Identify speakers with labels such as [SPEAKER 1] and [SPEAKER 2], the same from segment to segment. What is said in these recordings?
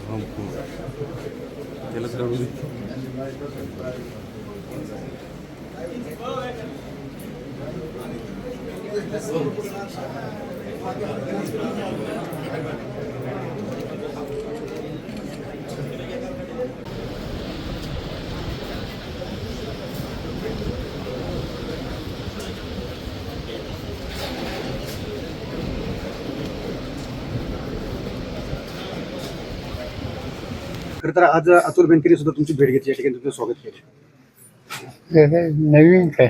[SPEAKER 1] त्यालाच काढू दे. खरं तर आज अतुल बेनकेने सुद्धा तुमची भेट घेतली, या ठिकाणी तुमचं स्वागत केलं.
[SPEAKER 2] नवीन काय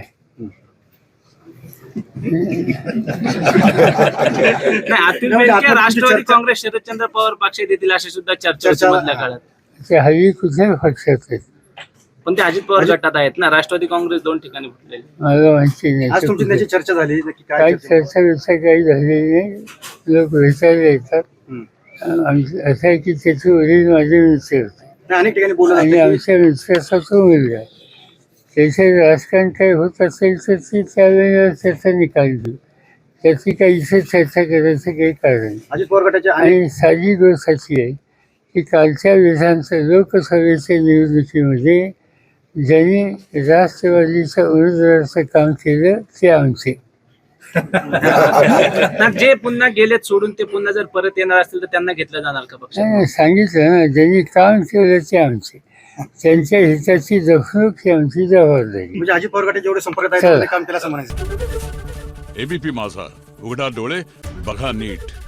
[SPEAKER 3] नाही, अतुल बेनके राष्ट्रवादी काँग्रेस शरदचंद्र पवार पक्ष देतील अशी सुद्धा चर्चा होती मधल्या काळात.
[SPEAKER 2] ते हल्ली कुठल्याही पक्षात आहेत
[SPEAKER 3] पण ते अजित पवार गटात आहेत ना, राष्ट्रवादी काँग्रेस दोन ठिकाणी फुटलेले.
[SPEAKER 2] मला माहिती
[SPEAKER 1] आज तुमची
[SPEAKER 2] नाही
[SPEAKER 1] त्याची चर्चा झाली, नक्की काय
[SPEAKER 2] काही
[SPEAKER 1] चर्चा?
[SPEAKER 2] चर्चा विर्चा काही झालेली नाही. लोक भेटायला येतात.
[SPEAKER 1] हम्म.
[SPEAKER 2] असं आहे की त्याचे वडील माझे मित्र होते
[SPEAKER 1] नाही, अनेक ठिकाणी बोलत
[SPEAKER 2] आणि
[SPEAKER 1] असतात की
[SPEAKER 2] आमच्या मित्राचा तो मुलगा आहे. त्याचे राजकारण काही होत असेल तर ती त्यावेळेला त्याचा निकाल देऊ. त्याची काही इथे चर्चा करायचं काही कारण नाही.
[SPEAKER 1] अजित पवार गटाच्या अनेक
[SPEAKER 2] आणि साधी गोष्ट अशी आहे की कालच्या विधानसभा लोकसभेच्या निवडणुकीमध्ये ज्यांनी राष्ट्रवादीच्या उमेदवाराचं काम केलं ते आमचे.
[SPEAKER 3] ना, जे पुन्हा गेलेत सोडून ते पुन्हा जर परत येणार असतील तर त्यांना घेतलं जाणार का पक्ष?
[SPEAKER 2] नाही, सांगितलं ना, ज्यांनी काम केलं ते आमचे. त्यांच्या हिताची जपणूक ही आमची जबाबदारी.
[SPEAKER 1] म्हणजे अजित पवार गटाचे जेवढे संपर्क आहेत
[SPEAKER 2] चला.
[SPEAKER 1] तेवढे काम केलं असं म्हणायचं.
[SPEAKER 4] एबीपी माझा, उघडा डोळे बघा नीट.